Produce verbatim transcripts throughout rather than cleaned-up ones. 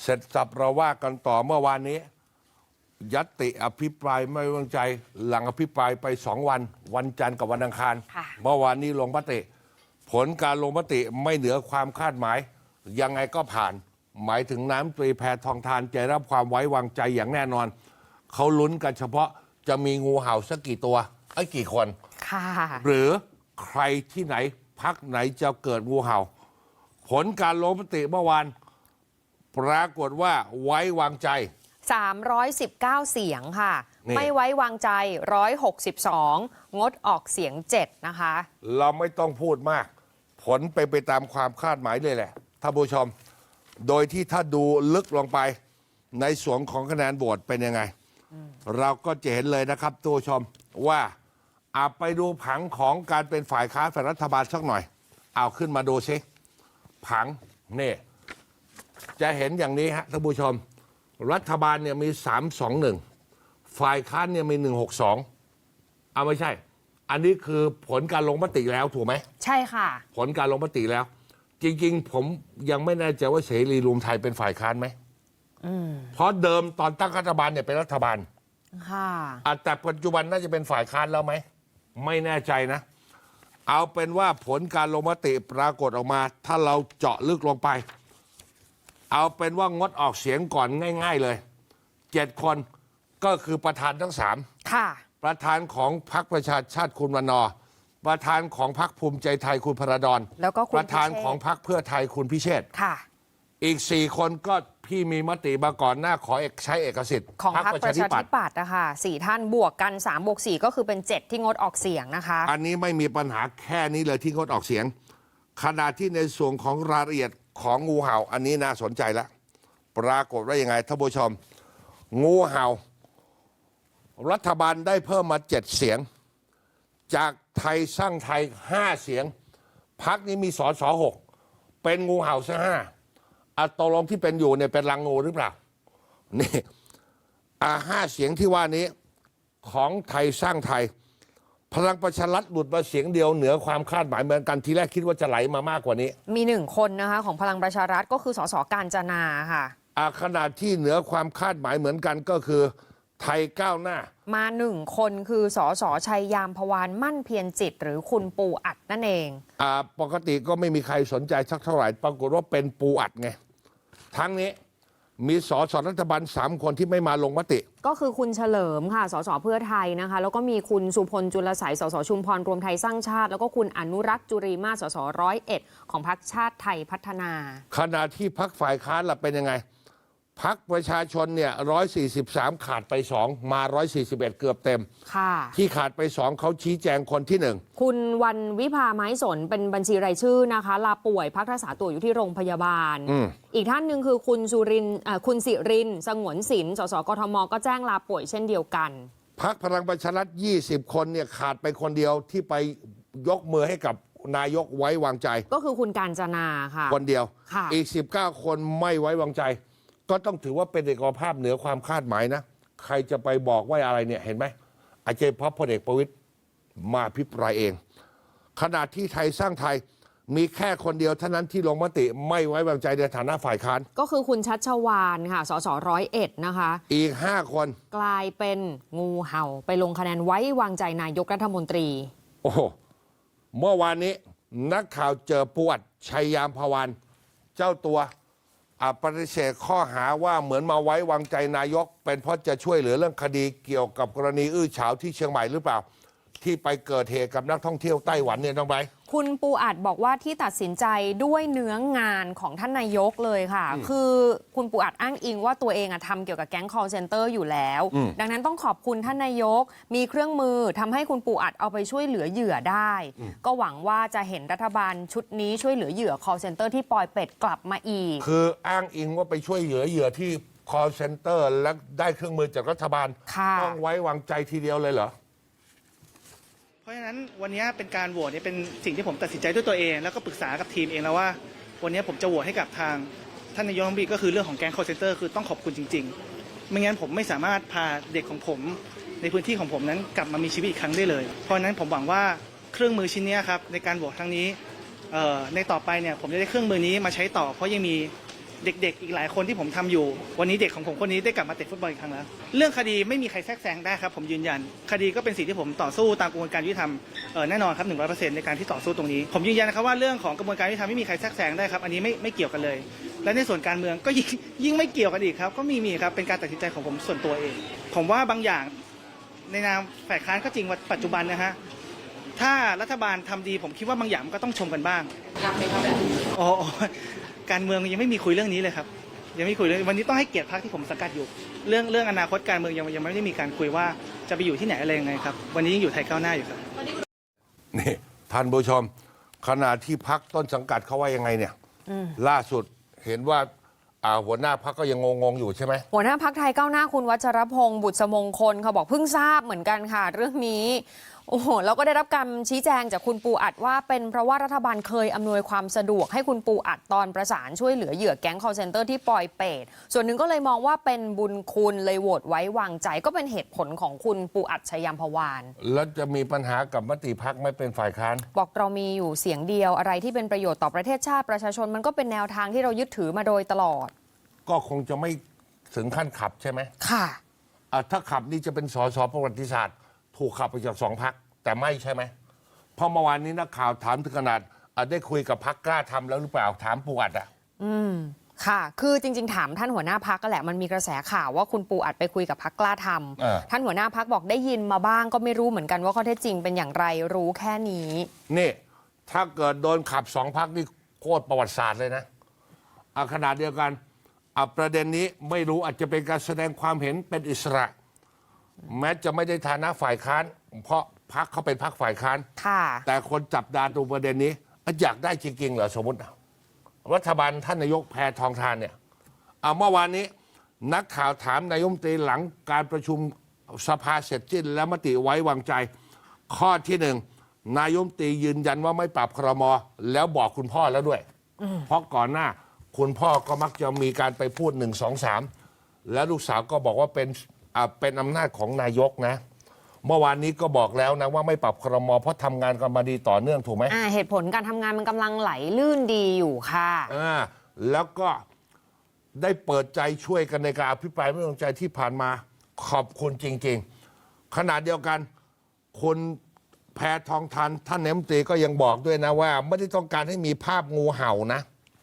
เสร็จสับเราว่ากันต่อเมื่อวานนี้ญัตติอภิปรายไม่ไว้วางใจหลังอภิปรายไปสองวันวันจันทร์กับวันอังคารเมื่อวานนี้ลงมติผลการลงมติไม่เหนือความคาดหมายยังไงก็ผ่านหมายถึงน้ำตรีแพทองทานจะรับความไว้วางใจอย่างแน่นอนเขาลุ้นกันเฉพาะจะมีงูเห่าสักกี่ตัวไอ้กี่คนค่ะหรือใครที่ไหนพักไหนจะเกิดงูเห่าผลการลงมติเมื่อวานปรากฏว่าไว้วางใจสามร้อยสิบเก้าเสียงค่ะไม่ไว้วางใจหนึ่งร้อยหกสิบสองงดออกเสียงเจ็ดนะคะเราไม่ต้องพูดมากผลไปไปตามความคาดหมายเลยแหละท่านผู้ชมโดยที่ถ้าดูลึกลงไปในส่วนของคะแนนโหวตเป็นยังไงเราก็จะเห็นเลยนะครับท่านผู้ชมว่าอาไปดูผังของการเป็นฝ่ายค้านฝ่ายรัฐบาลสักหน่อยเอาขึ้นมาดูซิผังนี่จะเห็นอย่างนี้ฮะท่านผู้ชมรัฐบาลเนี่ยมีสามสองหนึ่งฝ่ายค้านเนี่ยมีหนึ่งหกสองเอาไม่ใช่อันนี้คือผลการลงมติแล้วถูกไหมใช่ค่ะผลการลงมติแล้วจริงๆผมยังไม่แน่ใจว่าเสรีรวมไทยเป็นฝ่ายค้านไหมเพราะเดิมตอนตั้งรัฐบาลเนี่ยเป็นรัฐบาลค่ะแต่ปัจจุบันน่าจะเป็นฝ่ายค้านแล้วไหมไม่แน่ใจนะเอาเป็นว่าผลการลงมติปรากฏออกมาถ้าเราเจาะลึกลงไปเอาเป็นว่างดออกเสียงก่อนง่ายๆเลยเจ็ดคนก็คือประธานทั้งสามค่ะประธานของพรรคประชาชาติคุณวันนอร์ประธานของพรรคภูมิใจไทยคุณพระดอนแล้วก็ประธานของพรรคเพื่อไทยคุณพิเชษฐ์ค่ะอีกสี่คนก็พี่มีมติมาก่อนหน้าขอใช้เอกสิทธิ์ของพรรคประชาธิปัตย์นะคะสี่ท่านบวกกันสามบวกสี่ก็คือเป็นเจ็ดที่งดออกเสียงนะคะอันนี้ไม่มีปัญหาแค่นี้เลยที่งดออกเสียงขณะที่ในส่วนของรายละเอียดของงูเห่าอันนี้น่าสนใจแล้วปรากฏว่ายังไงท่านผู้ชมงูเห่ารัฐบาลได้เพิ่มมาเจ็ดเสียงจากไทยสร้างไทยห้าเสียงพรรคนี้มีสสหกเป็นงูเห่าซะห้าอัตลงที่เป็นอยู่เนี่ยเป็นรังงูหรือเปล่านี่อ่าห้าเสียงที่ว่านี้ของไทยสร้างไทยพลังประชารัฐหลุดมาเสียงเดียวเหนือความคาดหมายเหมือนกันทีแรกคิดว่าจะไหลมามากกว่านี้มีหนึ่งคนนะคะของพลังประชารัฐก็คือสสกาญจนาค่ะอ่าขณะที่เหนือความคาดหมายเหมือนกันก็คือไทยก้าวหน้ามาหนึ่งคนคือสสชัยยามพวานมั่นเพียรจิตหรือคุณปูอัดนั่นเองอ่าปกติก็ไม่มีใครสนใจสักเท่าไหร่ปรากฏว่าเป็นปูอัดไงทั้งนี้มีสสรัฐบาลสามคนที่ไม่มาลงมติก็คือคุณเฉลิมค่ะสสเพื่อไทยนะคะแล้วก็มีคุณสุพลจุลไสยสสชุมพรรวมไทยสร้างชาติแล้วก็คุณอนุรักษ์จุรีมาสสร้อยเอ็ดของพรรคชาติไทยพัฒนาขณะที่พรรคฝ่ายค้านล่ะเป็นยังไงพรรคประชาชนเนี่ยหนึ่งร้อยสี่สิบสามขาดไปสองมาหนึ่งร้อยสี่สิบเอ็ดเกือบเต็มค่ะที่ขาดไปสองเขาชี้แจงคนที่หนึ่งคุณวันวิภาไม้สนเป็นบัญชีรายชื่อนะคะลาป่วยพักรักษาตัวอยู่ที่โรงพยาบาลอ, อีกท่านหนึ่งคือคุณสุรินคุณสิรินสงวนศิลป์สสกทมก็แจ้งลาป่วยเช่นเดียวกันพรรคพลังประชารัฐยี่สิบคนเนี่ยขาดไปคนเดียวที่ไปยกมือให้กับนายกไว้วางใจก็คือคุณกาญจนาค่ะคนเดียวอีกสิบเก้าคนไม่ไว้วางใจก็ต้องถือว่าเป็นเอกภาพเหนือความคาดหมายนะใครจะไปบอกว่าอะไรเนี่ยเห็นไหมอาจจะเพราะพลเอกประวิตรมาพิปรายเองขณะที่ไทยสร้างไทยมีแค่คนเดียวเท่านั้นที่ลงมติไม่ไว้วางใจในฐานะฝ่ายค้านก็คือคุณชัชวาลค่ะสสร้อยเอ็ดนะคะอีกห้าคนกลายเป็นงูเห่าไปลงคะแนนไว้วางใจนายกรัฐมนตรีโอ้โหเมื่อวานนี้นักข่าวเจอปวดชัยยามพวานเจ้าตัวปฏิเสธข้อหาว่าเหมือนมาไว้วางใจนายกเป็นเพราะจะช่วยเหลือเรื่องคดีเกี่ยวกับกรณีอื้อฉาวที่เชียงใหม่หรือเปล่าที่ไปเกิดเหตุกับนักท่องเที่ยวไต้หวันเนี่ยน้องไบร์ทคุณปูอัดบอกว่าที่ตัดสินใจด้วยเนื้องานของท่านนายกเลยค่ะคือคุณปูอัดอ้างอิงว่าตัวเองทำเกี่ยวกับแก๊ง call center อยู่แล้วดังนั้นต้องขอบคุณท่านนายกมีเครื่องมือทำให้คุณปูอัดเอาไปช่วยเหลือเหยื่อได้ก็หวังว่าจะเห็นรัฐบาลชุดนี้ช่วยเหลือเหยื่อ call center ที่ปอยเป็ดกลับมาอีกคืออ้างอิงว่าไปช่วยเหลือเหยื่อที่ call center และได้เครื่องมือจากรัฐบาลต้องไว้วางใจทีเดียวเลยเหรอเพราะฉะนั้นวันนี้เป็นการโหวตเนี่ยเป็นสิ่งที่ผมตัดสินใจด้วยตัวเองแล้วก็ปรึกษากับทีมเองแล้วว่าวันนี้ผมจะโหวตให้กับทางท่านนายกรัฐมนตรีก็คือเรื่องของแก๊ง call center คือต้องขอบคุณจริงๆไม่งั้นผมไม่สามารถพาเด็กของผมในพื้นที่ของผมนั้นกลับมามีชีวิตอีกครั้งได้เลยเพราะฉะนั้นผมหวังว่าเครื่องมือชิ้นนี้ครับในการโหวตครั้งนี้ในต่อไปเนี่ยผมจะได้เครื่องมือนี้มาใช้ต่อเพราะยังมีเด็กๆอีกหลายคนที่ผมทำอยู่วันนี้เด็กของผมคนนี้ได้กลับมาเตะฟุตบอลอีกครั้งแล้วเรื่องคดีไม่มีใครแทรกแซงได้ครับผมยืนยันคดีก็เป็นสิ่งที่ผมต่อสู้ตามกระบวนการยุติธรรมเอ่อแน่นอนครับหนึ่งร้อยเปอร์เซ็นต์ในการที่ต่อสู้ตรงนี้ผมยืนยันนะครับว่าเรื่องของกระบวนการยุติธรรมไม่มีใครแทรกแซงได้ครับอันนี้ไม่ไม่เกี่ยวกันเลยและในส่วนการเมืองก็ยิ่งยิ่งไม่เกี่ยวกันอีกครับก็มีมีครับเป็นการตัดสินใจของผมส่วนตัวเองผมว่าบางอย่างในนามฝ่ายค้านก็จริงว่าปัจจุบันนะฮะถ้ารัฐบาลทำดีผมคิดว่าบางอย่างมันก็ต้องชมกันบ้างครับไหมครับอ๋อการเมืองยังไม่มีคุยเรื่องนี้เลยครับยังไม่คุยเรื่องวันนี้ต้องให้เกียรติพรรคที่ผมสังกัดอยู่เรื่องเรื่องอนาคตการเมืองยังยังไม่ได้มีการคุยว่าจะไปอยู่ที่ไหนอะไรยังไงครับวันนี้ยังอยู่ไทยก้าวหน้าอยู่ครับนี่ท่านผู้ชมขณะที่พรรคต้นสังกัดเขาว่ายังไงเนี่ยล่าสุดเห็นว่าอ่าหัวหน้าพรรคก็ยังงงๆอยู่ใช่ไหมหัวหน้าพรรคไทยก้าวหน้าคุณวัชรพงศ์บุตรสมงคลเขาบอกเพิ่งทราบเหมือนกันค่ะเรื่องนี้โอ้โหแล้วก็ได้รับการชี้แจงจากคุณปูอัดว่าเป็นเพราะว่ารัฐบาลเคยอำนวยความสะดวกให้คุณปูอัดตอนประสานช่วยเหลือเหยื่อแก๊ง call center ที่ปลอยเปตส่วนหนึ่งก็เลยมองว่าเป็นบุญคุณเลยโหวตไว้วางใจก็เป็นเหตุผลของคุณปูอัดชยามพวานแล้วจะมีปัญหากับมติพรรคไม่เป็นฝ่ายค้านบอกเรามีอยู่เสียงเดียวอะไรที่เป็นประโยชน์ต่อประเทศชาติประชาชนมันก็เป็นแนวทางที่เรายึดถือมาโดยตลอดก็คงจะไม่ถึงขั้นขับใช่ไหมค่ะอ่ะถ้าขับนี่จะเป็นสสประวัติศาสตร์ถูกขับไปจากสองพรรคแต่ไม่ใช่ไหมเพราะเมื่อวานนี้นักข่าวถามถึงขนาดได้คุยกับพรรคกล้าทำแล้วหรือเปล่าถามปูอัดอ่ะอืมค่ะคือจริงๆถามท่านหัวหน้าพรรคก็แหละมันมีกระแสข่าวว่าคุณปูอัดไปคุยกับพรรคกล้าทำท่านหัวหน้าพรรคบอกได้ยินมาบ้างก็ไม่รู้เหมือนกันว่าข้อเท็จจริงเป็นอย่างไรรู้แค่นี้นี่ถ้าเกิดโดนขับสองพรรคนี่โคตรประวัติศาสตร์เลยนะอ่ะขนาดเดียวกันอ่ะประเด็นนี้ไม่รู้อาจจะเป็นการแสดงความเห็นเป็นอิสระแม้จะไม่ได้ฐานะฝ่ายค้านเพราะพรรคเขาเป็นพรรคฝ่ายค้านแต่คนจับตาดูประเด็นนี้อยากได้จริงๆเหรอสมมติรัฐบาลท่านนายกแพทองทานเนี่ยเมื่อวานนี้นักข่าวถามนายกรัฐมนตรีหลังการประชุมสภาเสร็จสิ้นและมติไว้วางใจข้อที่หนึ่งนายกรัฐมนตรียืนยันว่าไม่ปรับครม.แล้วบอกคุณพ่อแล้วด้วยเพราะก่อนหน้าคุณพ่อก็มักจะมีการไปพูดหนึ่งสองสามแล้วลูกสาวก็บอกว่าเป็นเป็นอำนาจของนายกนะเมื่อวานนี้ก็บอกแล้วนะว่าไม่ปรับครม.เพราะทำงานกันมาดีต่อเนื่องถูกไหมอ่าเหตุผลการทำงานมันกำลังไหลลื่นดีอยู่ค่ะอ่าแล้วก็ได้เปิดใจช่วยกันในการอภิปรายไม่ไว้วางใจที่ผ่านมาขอบคุณจริงๆขณะเดียวกันคุณแพทองทานท่านนายกรัฐมนตรีก็ยังบอกด้วยนะว่าไม่ได้ต้องการให้มีภาพงูเห่านะ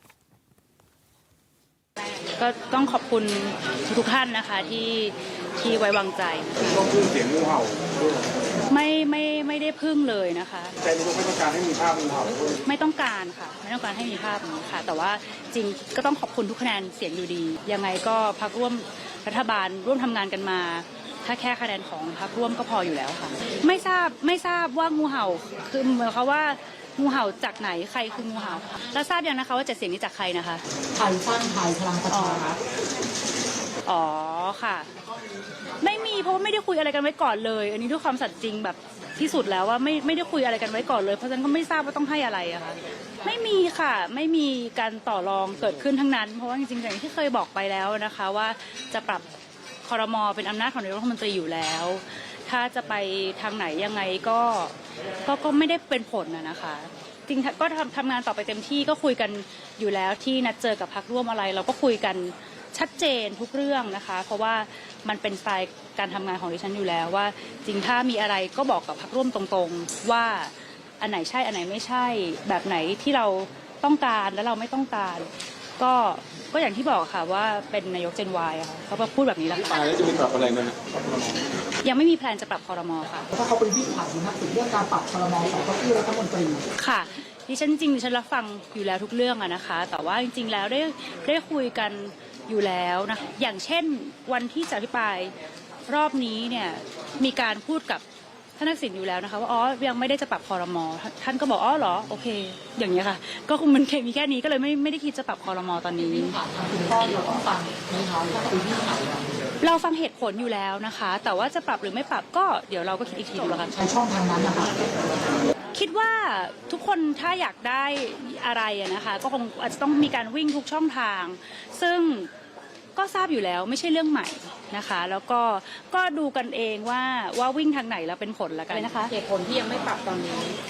ก็ต้องขอบคุณทุกท่านนะคะที่ที่ไว้วางใจต้องพึ่งเสียงงูเห่าไม่ไม่ไม่ได้พึ่งเลยนะคะแต่นายกไม่ต้องการให้มีภาพงูเห่าไม่ต้องการค่ะไม่ต้องการให้มีภาพนี้ค่ะแต่ว่าจริงก็ต้องขอบคุณทุกคะแนนเสียงอยู่ดียังไงก็พรรคร่วมรัฐบาลร่วมทำงานกันมาถ้าแค่คะแนนของพรรคร่วมก็พออยู่แล้วค่ะไม่ทราบไม่ทราบว่างูเห่าคือหมายความว่างูเห่าจากไหนใครคืองูเห่าแล้วทราบยังนะคะว่าเจ็ดเสียงนี้จากใครนะคะไทยสร้างไทยพลังประชารัฐอ๋อค่ะไม่มีเพราะไม่ได้คุยอะไรกันไว้ก่อนเลยอันนี้ด้วยความสัตย์จริงแบบที่สุดแล้วว่าไม่ไม่ได้คุยอะไรกันไว้ก่อนเลยเพราะฉะนั้นก็ไม่ทราบว่าต้องให้อะไรอะค่ะไม่มีค่ะไม่มีการต่อรองเกิดขึ้นทั้งนั้นเพราะว่าจริงๆอย่างที่เคยบอกไปแล้วนะคะว่าจะปรับครม.เป็นอำนาจของนายกรัฐมนตรีอยู่แล้วถ้าจะไปทางไหนยังไงก็ก็ก็ไม่ได้เป็นผลนะนะคะจริงก็ทำทำงานต่อไปเต็มที่ก็คุยกันอยู่แล้วที่นัดเจอกับพรรคร่วมอะไรเราก็คุยกันชัดเจนทุกเรื่องนะคะเพราะว่ามันเป็นสไตล์การทำงานของดิฉันอยู่แล้วว่าจริงถ้ามีอะไรก็บอกกับพรรคร่วมตรงๆว่าอันไหนใช่อันไหนไม่ใช่แบบไหนที่เราต้องการและเราไม่ต้องการก็ก็อย่างที่บอกค่ะว่าเป็นนายกเจนวายค่ะเขาพูดแบบนี้แล้วค่ะแล้วจะมีปรับอะไรไหมยังไม่มีแพลนจะปรับครม.ค่ะเพราะเขาเป็นที่ผ่านนักสืบเรื่องการปรับครม.ของเก้าอี้รัฐมนตรีค่ะดิฉันจริงดิฉันรับฟังอยู่แล้วทุกเรื่องอะนะคะแต่ว่าจริงๆแล้วได้ได้คุยกันอยู่แล้วนะอย่างเช่นวันที่จะอภิปรายรอบนี้เนี่ยมีการพูดกับท่านทักษิณอยู่แล้วนะคะว่าอ๋อยังไม่ได้จะปรับครม.ท่านก็บอกอ๋อเหรอโอเคอย่างเงี้ยค่ะก็คงมันมีแค่นี้ก็เลยไม่ไม่ได้คิดจะปรับครม.ตอนนี้คุณพ่อเราต้องฟังไหมคะว่าคุยที่ไหนเราฟังเหตุผลอยู่แล้วนะคะแต่ว่าจะปรับหรือไม่ปรับก็เดี๋ยวเราก็คิดอีกทีดูแล้วกันใช้ช่องทางนั้นนะคะคิดว่าทุกคนถ้าอยากได้อะไรนะคะก็คงอาจจะต้องมีการวิ่งทุกช่องทางซึ่งก็ทราบอยู่แล้วไม่ใช่เรื่องใหม่นะคะแล้วก็ก็ดูกันเองว่าว่าวิ่งทางไหนแล้วเป็นผลละกันนะคะเหตุผลที่ยังไม่ปรับตอนนี้ก็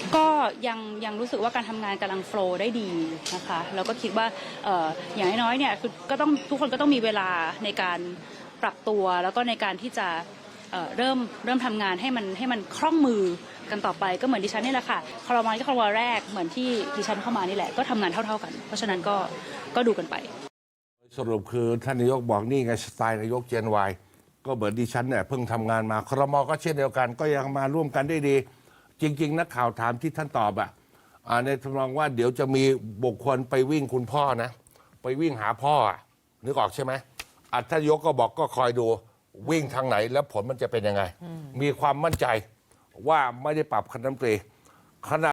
ยังยังรู้สึกว่าการทำงานกำลังโฟลว์ได้ดีนะคะแล้วก็คิดว่าเอ่ออย่างน้อยๆเนี่ยคือก็ต้องทุกคนก็ต้องมีเวลาในการปรับตัวแล้วก็ในการที่จะเอ่อเริ่มเริ่มทำงานให้มันให้มันคล่องมือกันต่อไปก็เหมือนดิฉันนี่แหละค่ะครมก็ครมแรกเหมือนที่ดิฉันเข้ามานี่แหละก็ทำงานเท่าๆกันเพราะฉะนั้นก็ก็ดูกันไปสรุปคือท่านนายกบอกนี่ไงสไตล์นายกเจนวายก็เหมือนดิฉันเนี่ยเพิ่งทำงานมาครมก็เช่นเดียวกันก็ยังมาร่วมกันได้ดี จริงๆนักข่าวถามที่ท่านตอบอ่ะอ่าในทำนองว่าเดี๋ยวจะมีบุคคลไปวิ่งคุณพ่อนะไปวิ่งหาพ่ออะนึกออกใช่ไหมอ่ะท่านนายกก็บอกก็คอยดูวิ่งทางไหนแล้วผลมันจะเป็นยังไง มีความมั่นใจว่าไม่ได้ปรับคณะรัฐมนตรีขณะ